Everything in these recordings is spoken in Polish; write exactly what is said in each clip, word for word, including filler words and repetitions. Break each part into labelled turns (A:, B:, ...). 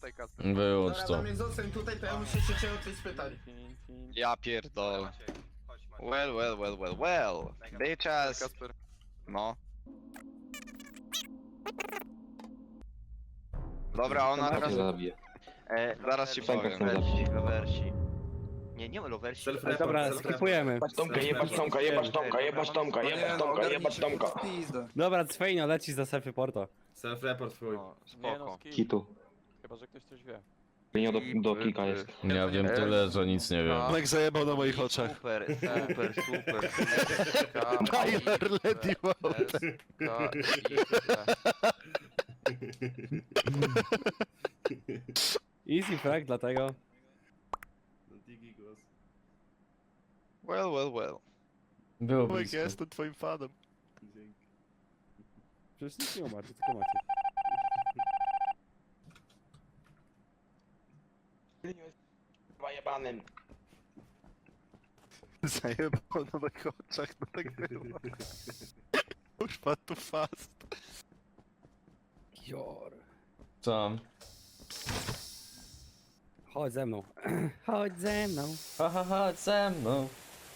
A: tutaj, Kasper.
B: Wyłącz
C: Dobra,
B: to.
C: Damian, zostań tutaj, to ja muszę się cię o coś spytać.
D: Ja pierdolę. Well, well, well, well, well. Bitches.
A: Kasper.
D: No. Dobra, ona teraz...
E: E,
D: Zaraz ci powiem.
E: Lowersi, lowersi. Nie, nie ma lowersi.
C: Self-report,
F: Dobra,
C: self-report.
F: skipujemy.
G: Tomka, jebać Tomka, jebać Tomka, jebać Tomka, jebać Tomka, jebać Tomka.
F: Dobra, Cwejno, lecisz za self-reporta.
C: Self-report twój.
D: No, spoko.
G: Kitu.
A: Chyba, że ktoś coś wie.
G: Nie do, do kika jest.
B: Ja wiem tyle, że nic nie wiem.
H: Mek zajebał na moich oczach.
E: Super, super, super.
H: Tyler Lady World.
F: Easy frag, dlatego.
C: Digi głos.
D: Well, well, well.
B: Było
H: Mek,
B: blisko.
H: ja jestem twoim fanem.
C: Dzięki.
F: Przecież nic nie macie, tylko macie.
G: Zajebanym.
H: Zajebał na moich oczach, no tak było. Już padł tu fast.
F: Jor.
B: Tam.
F: Chodź ze mną. Chodź ze mną.
B: Ha, ha, ha, ze mną.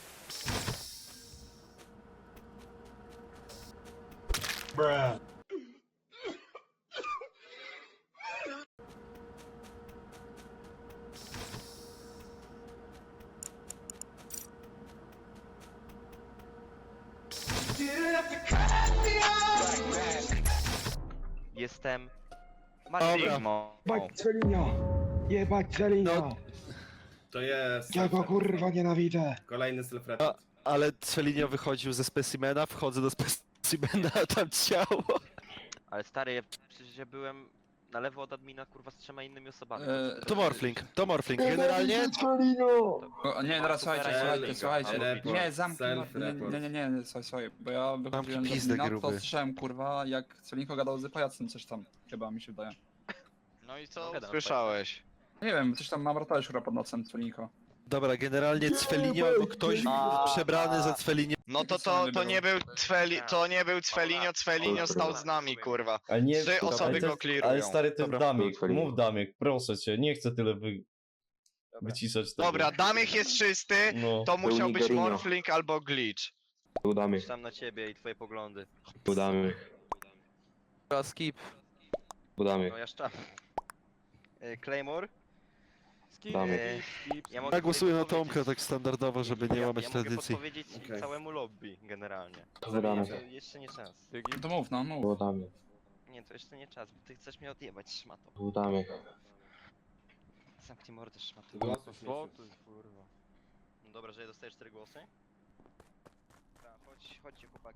E: Jestem...
H: Dobra.
D: Sigmo.
G: Jebać Celinio! Jebać Celinio!
C: To jest...
G: Ja go
C: self-report.
G: kurwa nienawidzę!
C: Kolejny self-report.
H: Ale Celinio wychodził ze specimena, wchodzę do specimena, a tam ciało.
E: Ale stary, ja przecież ja byłem na lewo od admina kurwa z trzema innymi osobami.
H: E, to Morfling, to Morfling. Generalnie
G: Celinio!
I: O, nie, teraz słuchajcie,
C: Self-report.
I: słuchajcie, słuchajcie.
C: Report.
I: Nie, zamknij. Nie,
C: Self-report.
I: nie, nie, nie, nie, słuchaj, słuchaj, bo ja wychodziłem
H: Zamknij
I: do
H: pizdę,
I: admina, to
H: gruby.
I: słyszałem kurwa, jak Celinko gadał z pajacem coś tam, chyba mi się wydaje.
D: No i co
E: Gadam,
D: słyszałeś?
I: Nie wiem, coś tam mamrotałeś kurwa pod nocem Celinko.
H: Dobra, generalnie Cwelinio albo ktoś
D: A,
H: przebrany za Cwelinio.
D: No to to, to nie był Cweli, to nie był Cwelinio, Cwelinio stał z nami, kurwa.
B: Ale nie,
D: Trzy osoby
B: ale to
D: go
B: jest-
D: clearują.
B: Ale stary, to jest
H: Dobra.
B: Damik. Mów Damik, proszę cię, nie chcę tyle wy... wyciszać tego.
D: Dobra, Damich jest czysty,
B: No.
D: to musiał być
G: Nigerino.
D: Morfling albo Glitch.
G: Udamy,
E: Tam na ciebie i twoje poglądy.
G: udamy,
A: Skip.
G: udamy.
E: No ja szczam. E, Claymore?
A: Skip,
G: Damy.
A: skip,
E: Ja mogę
H: Ja głosuję na
E: podpowiedzieć-
H: Tomka tak standardowo, żeby nie
E: ja,
H: łamać
E: ja mogę
H: tradycji.
E: podpowiedzieć
C: Okej.
E: całemu lobby generalnie.
G: Udamy,
E: Jeszcze- Jeszcze nie czas.
A: skip.
I: To mów, no mów.
G: udamy,
E: Nie, to jeszcze nie czas, bo ty chcesz mnie odjebać, szmato.
G: udamy.
E: Zamknij mordę, szmato.
C: Głosów nie
A: Wotuj, kurwa.
E: No dobra, że ja dostaję cztery głosy? Dobra, chodź, chodźcie chłopaki.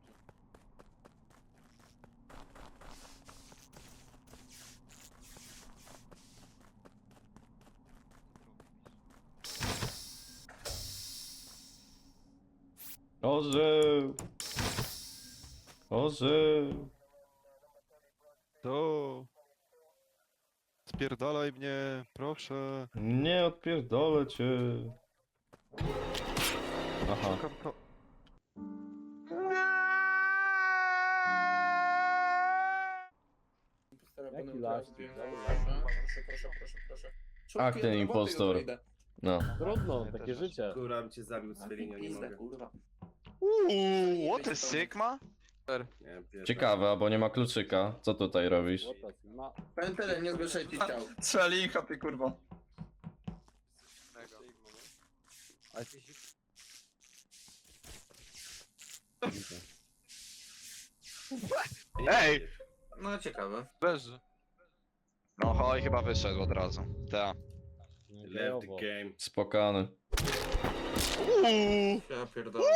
B: Orzeł! Orzeł!
H: To... Spierdalaj mnie, proszę.
B: Nie odpierdolę cię. Aha.
H: Szukam to...
F: Jaki las?
B: Ach, ten impostor. No.
F: Trudno, takie życie.
C: Kurwa, bym cię zabił z Felinio, nie mogę.
D: Uuu, what is Sigma?
C: Nie, pierdolę.
B: Ciekawe, bo nie ma kluczyka. Co tutaj robisz?
C: Pętelem, nie zgłaszaj ci ciał.
I: Celinko, ty kurwa.
D: Ej!
C: No ciekawe.
A: Leży.
D: No hoj, chyba wyszedł od razu. Ta.
C: Left the game.
B: Spokany.
D: Uuu!
C: Ja pierdolę.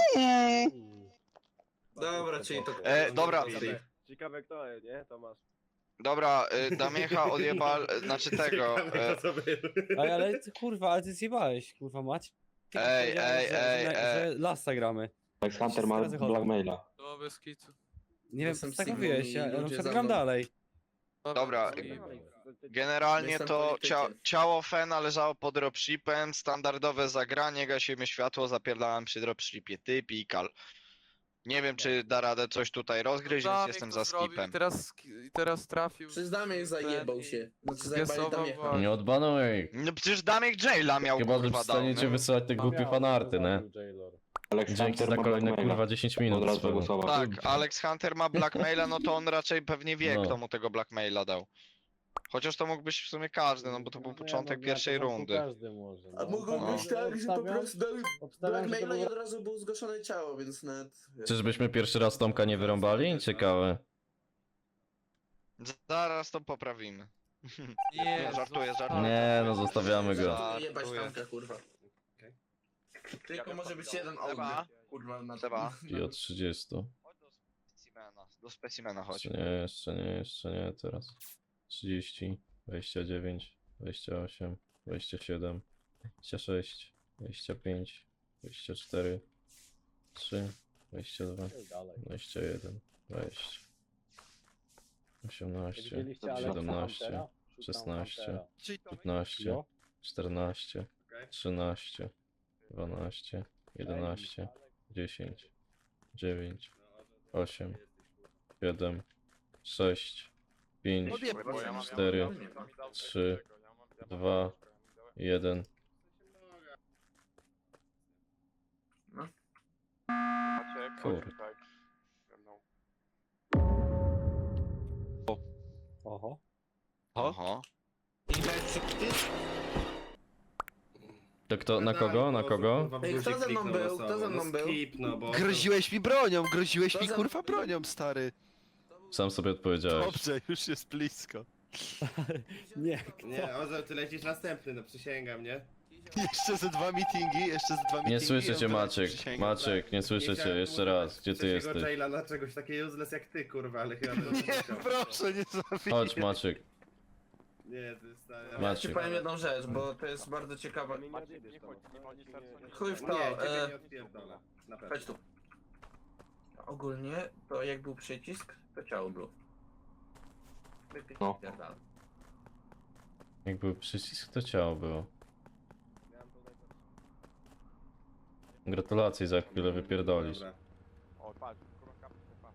C: Dobra, czyli to...
D: E, dobra.
A: Ciekawe kto, nie? Tomasz.
D: Dobra, y, Damiecha odjebal, znaczy tego. E,
F: Ej, ale ty, kurwa, ale ty zjebałeś, kurwa mać.
D: Ej, ej, ej, ej.
F: Że lasa gramy.
G: Max Hunter ma
F: Razy chodzą.
G: blackmaila.
A: To bez kitu.
F: Nie wiem,
C: Jestem
F: co tak
C: Sigmą
F: mówiłeś,
C: i
F: ja, ja na
C: ludzie
F: przykład
C: za
F: gram
C: mną.
F: dalej.
D: Dobra, generalnie
C: Jestem
D: to
C: politykiem.
D: cia ciało Fena leżało pod dropshipem, standardowe zagranie, gasimy światło, zapierdalałem przy dropshipie, ty pikal. Nie wiem, czy da radę coś tutaj rozgryźć, więc jestem za skipem.
A: Teraz, teraz trafił.
C: Przez Damię zajebał się. Znaczy zajebali
A: Zgesował
C: Damię.
A: was.
B: Nie odbanuj ich.
D: No przecież Damek Jaila miał,
B: Chyba, że
D: kurwa,
B: przestaniecie
D: dał, no.
B: wysyłać te głupie fanarty, nie?
G: Alex
B: Dzięki
G: Hunter
B: za
G: ma
B: kolejne
G: Blackmaila.
B: kurwa dziesięć minut.
G: Od razu
B: swego.
G: głosował.
D: Tak, Alex Hunter ma blackmaila, no to on raczej pewnie wie,
B: No.
D: kto mu tego blackmaila dał. Chociaż to mógł być w sumie każdy, no bo to był początek pierwszej rundy.
F: Każdy może.
C: A mogło
D: No.
C: być tak, że po prostu dali
F: Obstawiam, że to
C: blackmaila i
F: był...
C: od razu było zgłoszone ciało, więc nawet...
B: Czyżbyśmy pierwszy raz Tomka nie wyrąbali? Ciekawe.
D: Zaraz to poprawimy.
A: Nie,
D: żartuję, żartuję.
B: Nie, no zostawiamy go.
C: Żartuję, jebać
D: Żartuję.
C: Tomka, kurwa. Tylko może być jeden
D: Seba?
C: audio. Kurwa, na
D: Seba?
B: I od trzydziestu.
D: Chodź do specimena, do specimena chodź.
B: Jeszcze nie, jeszcze nie, jeszcze nie, teraz. trzydzieści, dwadzieścia dziewięć, dwadzieścia osiem, dwadzieścia siedem, dwadzieścia sześć, dwadzieścia pięć, dwadzieścia cztery, trzy, dwadzieścia dwa, dwadzieścia jeden, dwadzieścia, osiemnaście,
F: Widzieliście Alexa
B: siedemnaście,
F: Huntera? Szukam
B: szesnaście,
F: Huntera.
B: piętnaście,
F: Jo?
B: czternaście, trzynaście, dwanaście, jedenaście, dziesięć, dziewięć, osiem, siedem, sześć, pięć, cztery, trzy, dwa, jeden. Kurde.
F: Oho.
D: Oho.
B: To kto, na kogo, na kogo?
C: Ej, kto ze mną był? Kto ze mną był?
H: Groziłeś mi bronią, groziłeś
C: To
H: mi
C: za-
H: kurwa bronią, stary.
B: Sam sobie odpowiedziałeś.
H: Dobrze, już jest blisko.
F: Nie,
A: Nie, Ozo, ty lecisz następny, no przysięgam, nie?
H: Jeszcze ze dwa meetingi, jeszcze ze dwa meetingi.
B: Nie słyszę cię,
H: on teraz
B: Maciek.
H: przysięga.
B: Maciek, nie słyszę cię. Jeszcze raz. Gdzie ty jesteś?
A: Jaila na czegoś takiego useless jak ty, kurwa, ale chyba to
H: Nie, proszę, nie zabiję.
B: Chodź, Maciek.
A: Nie, to jest stary.
C: Ja ci
B: Maciek.
C: powiem jedną rzecz, bo to jest bardzo ciekawe. Chuj w
A: Nie,
C: to,
A: ciebie
C: e,
A: nie odpierdolę. Na pewno.
C: chodź tu. Ogólnie, to jak był przycisk, to ciało było.
G: No.
C: Wypierdalaj.
B: Jak był przycisk, to ciało było. Gratulacje, za chwilę wypierdolisz.
A: Dobra.
J: O, patrz, kurwa, patrz.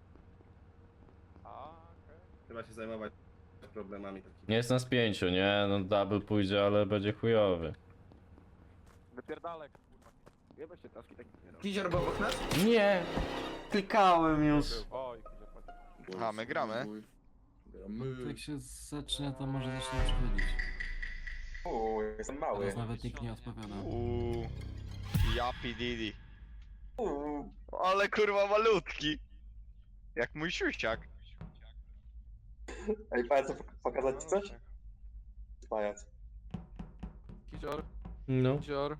J: A, okej.
A: Trzeba się zajmować problemami takimi.
B: Nie jest nas pięciu, nie? No double pójdzie, ale będzie chujowy.
J: Wypierdalek, kurwa. Jeba się taski tak nie robi.
C: Kizior był obok nas?
B: Nie! Klikałem już.
J: Oj, kurwa, patrz.
D: A, my gramy?
C: Gramy.
K: Jak się zacznie, to może zacznie przychodzić.
G: Uuu, jestem mały.
K: Teraz nawet nikt nie odpowiada.
D: Uuu. Japi Didi.
G: Uuu.
D: Ale kurwa malutki. Jak mój siusiak.
G: Ej, pajac, pokazać ci coś? Pajac.
A: Kizior,
B: No,
A: Kizior.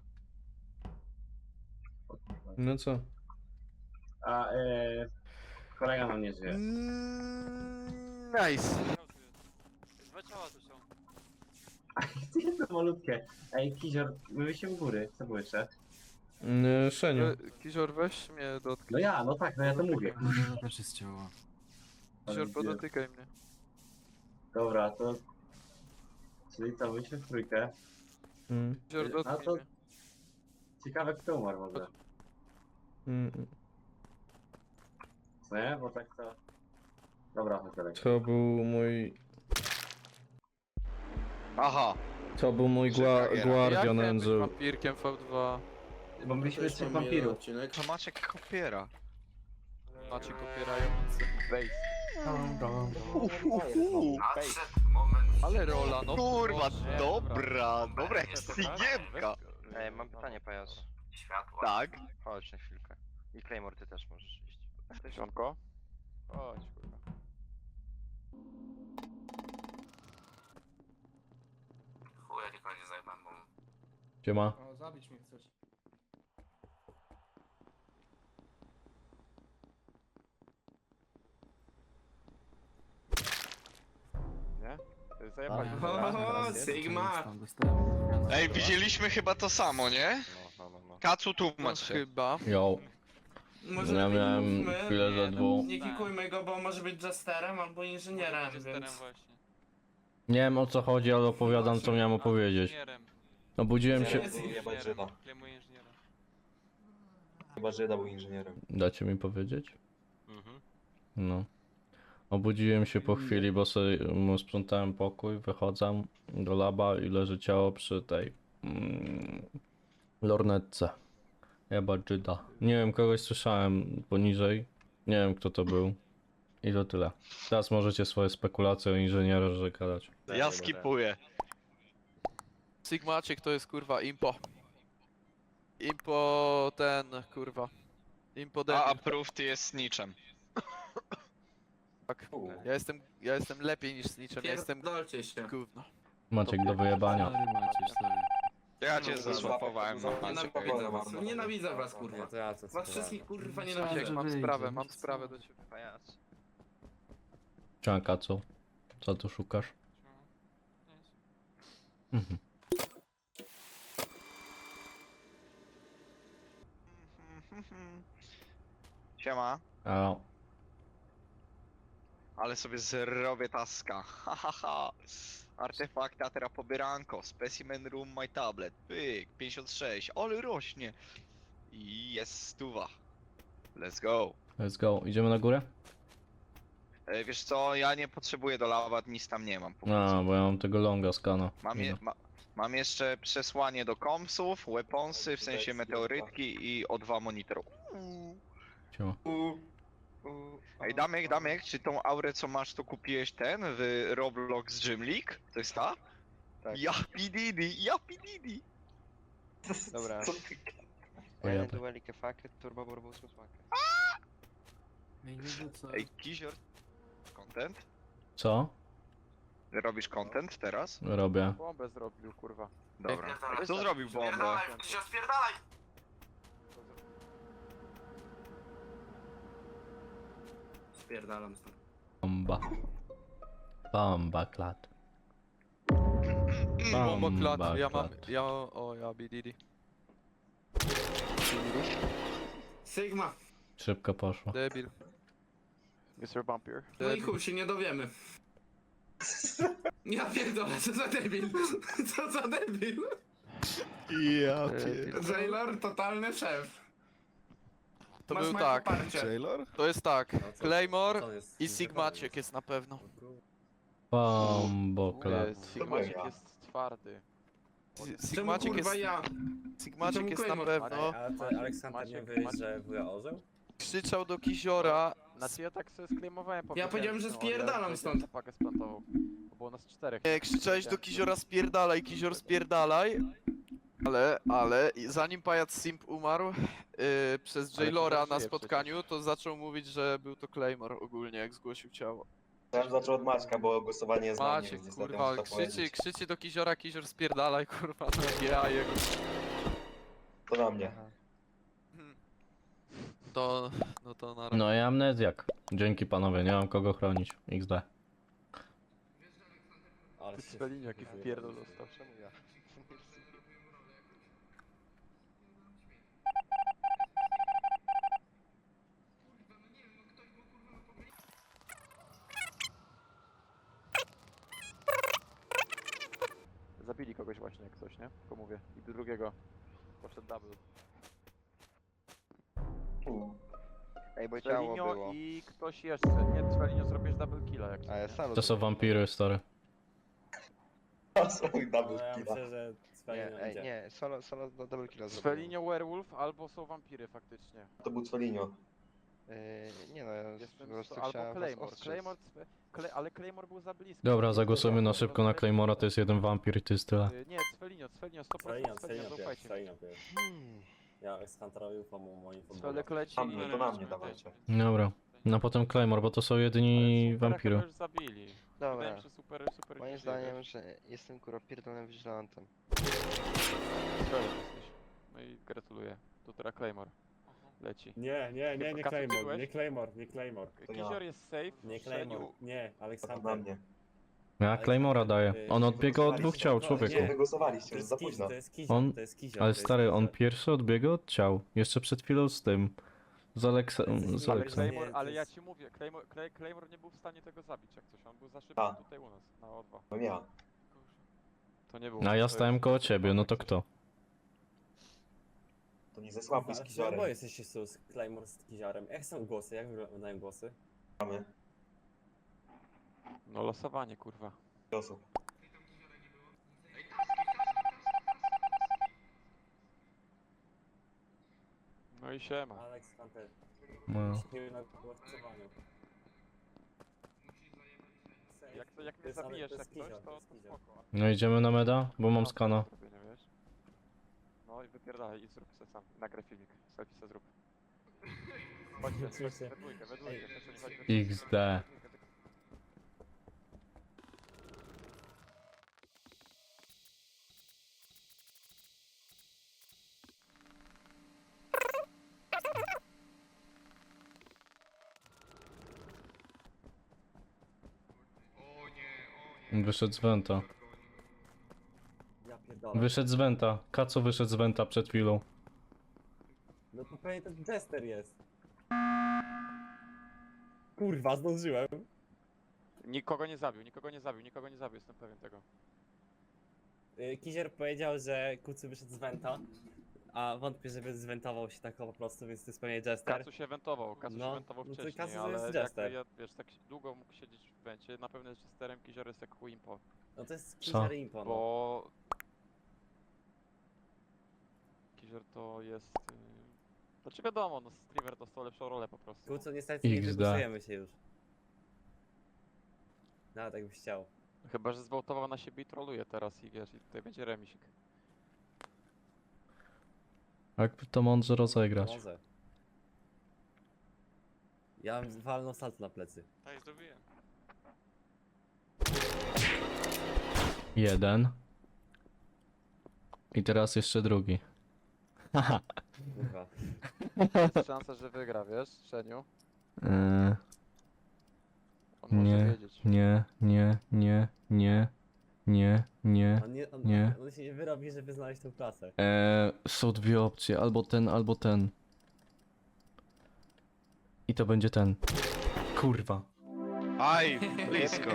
B: no co?
F: A, e, kolega nam nie żyje.
H: Nice.
E: Dwa ciała tu są.
F: To malutkie. Ej, Kizior, myły się u góry. Co było jeszcze?
B: Yy, Szeniu.
A: Kizior, weź mnie dotknij.
F: No ja, no tak, no ja to mówię.
K: No to też jest ciało.
A: Kizior, podotykaj mnie.
F: Dobra, to... Czyli co, myśmy w trójkę.
B: Mm,
A: Kizior,
F: A
A: dotknij
F: to-
A: mnie.
F: Ciekawe kto umarł w ogóle.
B: mm.
F: Co nie? Bo tak to... Dobra, chodź dalej.
B: To był mój...
D: Aha.
B: To był mój gua
D: Czekaj,
B: Guardian
A: Jak być
B: Angel.
A: wampirkiem V dwa?
F: Bo byliśmy
C: Też
F: trzech
C: mam jeden
F: wampirów.
C: odcinek.
D: To Maciek kopiera.
A: Macie popierający.
J: Wejdź.
A: Ale rola, no.
D: Kurwa,
A: Boże.
D: dobra, dobra jak sygiemka.
E: Ej, mam pytanie, pajac.
D: Tak.
E: Chodź na chwilkę. I Claymore, ty też możesz iść.
J: Sionko? Chodź, kurwa.
C: Chuja, niech nie zajmę, bo...
B: Siema.
C: O, zabić mnie chcesz.
J: Nie? Zajebali.
C: O, Sigma!
K: Tam dostałem.
D: Ej, widzieliśmy chyba to samo, nie?
J: No, no, no, no.
D: Kacu,
A: No,
D: tłumacz się.
A: chyba.
B: Yo.
C: Może
B: Ja
C: lepiej
B: miałem
C: mówmy,
B: chwilę za dwóch.
C: Nie kikujmy go, bo może być Jesterem albo inżynierem, więc...
B: Nie wiem o co chodzi, ale opowiadam co miałem opowiedzieć. Obudziłem się...
C: Jest-
G: Chyba, że był inżynierem.
B: Dacie mi powiedzieć?
E: Mhm.
B: No. Obudziłem się po chwili, bo sobie mu sprzątałem pokój, wychodzę do laba i leży ciało przy tej mm, lornetce. Jeba Żyda. Nie wiem, kogoś słyszałem poniżej. Nie wiem, kto to był. I to tyle. Teraz możecie swoje spekulacje o inżynierze gadać.
D: Ja skipuję.
A: Sigmaciek to jest kurwa impo. Impo ten kurwa. Impo
D: A
A: debil.
D: approved jest niczym.
A: Tak. Ja jestem, ja jestem lepiej niż Snitchem, ja jestem
C: Pierdolcie się.
A: gówno.
B: Maciek do wyjebania.
K: Sorry Maciej, sorry.
D: Ja cię
C: No,
D: zasłapowałem na
C: Nienawidzę
D: Maciek.
C: was, nienawidzę was kurwa. Was wszystkich kurwa
A: Jak
C: nienawidzę.
A: mam
K: wyjdzie,
A: sprawę,
K: no
A: mam
K: co?
A: sprawę do ciebie.
E: Pajac.
B: Czanka, co? Co tu szukasz? Mhm.
D: Siema.
B: A,
D: Ale sobie zrobię taska. Ha ha ha. Artefakty, a teraz pobieranko. Specimen room, my tablet. Pyk, pięćdziesiąt sześć. Ale rośnie. I jest stuwa. Let's go.
B: let's go. Idziemy na górę?
D: E, wiesz co, ja nie potrzebuję do lawa, nic tam nie mam. póki
B: A,
D: co.
B: bo ja mam tego longa skana.
D: Mam, je, ma, mam jeszcze przesłanie do kompsów, weaponsy, w sensie meteorytki i o dwa monitor.
B: Siema.
D: Ej, Damek, Damek, czy tą aurę co masz to kupiłeś ten w Roblox Gym League? To jest ta?
E: Tak.
D: Ja pididi, ja pididi.
E: Dobra.
B: Pojadę.
E: Jeden duelik efakt, turbo burbus smakę.
K: Ej, nie rzucaj.
D: Ej, Kizior, content?
B: Co?
D: Robisz content teraz?
B: Robię.
A: Bombę zrobił kurwa.
D: Dobra. A kto zrobił bombę?
C: Spierdalaj, się spierdalaj! Spierdalam stąd.
B: Bomba. Bomba klat.
A: Bomba klat,
B: Bomba
A: ja mam,
B: klat.
A: ja, o ja bididi.
C: Sigma.
B: Szybko poszło.
A: Debil.
H: mister Bumpier.
C: No i
A: Debil.
C: chuj, się nie dowiemy. Ja pierdolę, co za debil. Co za debil.
H: Ja
A: Debil.
C: Jailor, totalny szef.
A: To
C: Masz
A: był
C: moje
A: tak,
C: poparcie.
H: Taylor?
A: to jest tak. Claymore i Sigmaciek jest na pewno.
B: Bombo klat.
A: Sigmaciek jest twardy.
C: Czemu
A: Sigmaciek
C: kurwa
A: jest,
C: ja?
A: Sigmaciek
C: czemu
A: jest na
C: Claymore?
A: pewno.
J: Aleksander nie wyjść, że wuja orzeł?
A: Krzyczał do Kiziora.
J: Znaczy ja tak sobie sklejmowałem
C: Ja powiedziałem, że spierdalam stąd.
J: Pakę splantował. Bo było nas czterech.
A: Nie, krzyczałeś do Kiziora spierdalaj, Kizior spierdalaj. Ale, ale, i zanim pajac Simp umarł yy, przez
J: Ale
A: Jailora
J: Kizior
A: na
J: żyje
A: spotkaniu, to zaczął mówić, że był to Claymore ogólnie, jak zgłosił ciało.
G: Ja zaczął od Maćka, bo głosowanie jest na mnie,
A: Maciek,
G: więc niestety
A: kurwa,
G: muszę to
A: krzyczy,
G: powiedzieć.
A: krzyczy do Kiziora, Kizior spierdalaj, kurwa, no ja jego.
G: To na mnie.
A: To, no to na razie.
B: No i amnezjak. Dzięki panowie, nie mam kogo chronić. iks de.
J: Ale
H: Spelin jaki wpierdol dostał.
E: Czemu ja?
J: Zabili kogoś właśnie jak coś, nie? Tylko mówię. I do drugiego poszedł double.
D: Ej, bo ciało
J: Celinio
D: było.
J: i ktoś jeszcze. Nie, Celinio zrobisz double killa jak
D: A
J: coś,
D: ja
J: nie?
D: sam
B: To są wampiry, stary.
G: To są double killa.
E: Nie, ej, nie, solo, solo do double killa zrobił.
J: Celinio werewolf albo są wampiry faktycznie.
G: To był Celinio.
E: Yy, nie no, ja
J: Jestem
E: po prostu
J: albo
E: chciałem was
J: Claymore.
E: ostrzec.
J: Claymore, Kle, ale Claymore był za blisko.
B: Dobra, zagłosujmy na szybko na Claymora, to jest jeden wampir i to jest tyle.
J: Yy, Nie, Celinio, Celinio, sto procent Celinio, zaufajcie mi.
E: Hmm.
F: Ja Ekskantarowi pomógł moim
J: Celek leci.
G: Na mnie, to na mnie dawajcie.
B: Dobra. No potem Claymore, bo to są jedyni wampiry.
J: już zabili. Wydaje
E: Dobra,
J: mi się super, super
E: moim
J: nie
E: zdaniem,
J: wiesz.
E: że jestem kurwa pierdolonym vigilantem.
J: Strzelem jesteś. No i gratuluję. Tu teraz Claymore. Leci.
F: Nie, nie, nie, nie
J: Kacu, ty
F: Claymore,
J: byłeś?
F: nie Claymore, nie Claymore.
G: To ja.
J: Kizior jest safe.
F: Nie
J: strzelił.
F: Claymore, nie,
G: To na
F: Aleksander.
G: mnie.
B: Ja Claymora daję. On odbiega od dwóch ciał,
G: To
B: człowieku.
G: wy głosowaliście,
F: To
G: już
F: jest
G: za
F: Kiz-
G: późno.
F: To jest Kizior,
B: On-
F: to jest Kizior.
B: Ale
F: to jest
B: stary, on
F: Kizior.
B: pierwszy odbiega od ciał. Jeszcze przed chwilą z tym. Z Aleksa... z
J: Ale
B: Aleksem.
J: Claymore,
F: Nie, to
J: ale ja
F: jest-
J: ci mówię, Claymore, Clay, Claymore nie był w stanie tego zabić jak coś. On był za szybki
G: A.
J: tutaj u nas, na O dwa.
G: No ja.
J: To nie było.
B: A ja
J: to
B: stałem
J: jest-
B: koło ciebie, no to kto?
G: To Oni ze słaby z
K: Bo
G: Kizorem.
K: jesteście sus, Claymore z Kiziarem. Jak są głosy? Jak wyglądają głosy?
G: Mamy
J: No losowanie, kurwa.
G: osób.
J: No i siema.
K: Alex Hunter.
B: No.
K: Nie wiem na głosowaniu.
J: Jak, to, jak
K: To
J: mnie
K: jest- ale
J: zabijesz
K: to
J: jak
K: jest
J: coś,
K: Kizior,
J: to,
K: to
J: to
K: jest Kizior.
J: spoko.
B: No idziemy na meda, bo mam skana.
J: Zrobienie, wiesz? No i wypierdalaj i zrób se sam. Nagraj filmik. Selfie se zrób. Chodźcie,
K: Oczywiście.
J: we dwójkę, we dwójkę. Też nie chodź we
B: X
J: dwójkę.
B: D. Wyszedł z Venta.
K: Ja pierdolę.
B: Wyszedł z Venta. Kaco wyszedł z Venta przed chwilą.
K: No to pewnie ten Jester jest. Kurwa, zdążyłem.
J: Nikogo nie zabił, nikogo nie zabił, nikogo nie zabił, jestem pewien tego.
K: Y, Kizier powiedział, że Kucu wyszedł z Venta, a wątpię, żeby zwentował się tak po prostu, więc to jest pewnie Jester.
J: Kacu się wentował, Kacu
K: No,
J: się wentował
K: no to
J: wcześniej,
K: Kacu to
J: ale
K: jest
J: jakby
K: Jester.
J: ja, wiesz, tak długo mógł siedzieć w wencie, na pewno jest Jesterem, Kizior jest jak Wimpo,
K: No to jest
B: Co?
K: Kizier Impo, no.
J: bo... Kizior to jest... Yy... Znaczy wiadomo, no Striver dostał lepszą rolę po prostu.
K: Kucu niestety nie
B: X D.
K: wygłosujemy się już. Nawet jakbyś chciał.
J: Chyba, że zwołtował na siebie i troluje teraz i wiesz, i tutaj będzie remisik.
B: Jak to mądrze rozegrać?
K: Może. Ja bym walnął salt na plecy.
J: Tak, zrobiłem.
B: Jeden. I teraz jeszcze drugi. Haha.
K: Kurwa.
J: Jest szansa, że wygra, wiesz, Szeniu?
B: Eee,
J: On może
B: Nie.
J: wiedzieć.
B: nie, nie, nie, nie, nie, nie.
K: On, nie, on,
B: Nie.
K: on się nie wyrobi, żeby znaleźć tą klasę.
B: Eee, są dwie opcje, albo ten, albo ten. I to będzie ten. Kurwa.
A: Aj, blisko.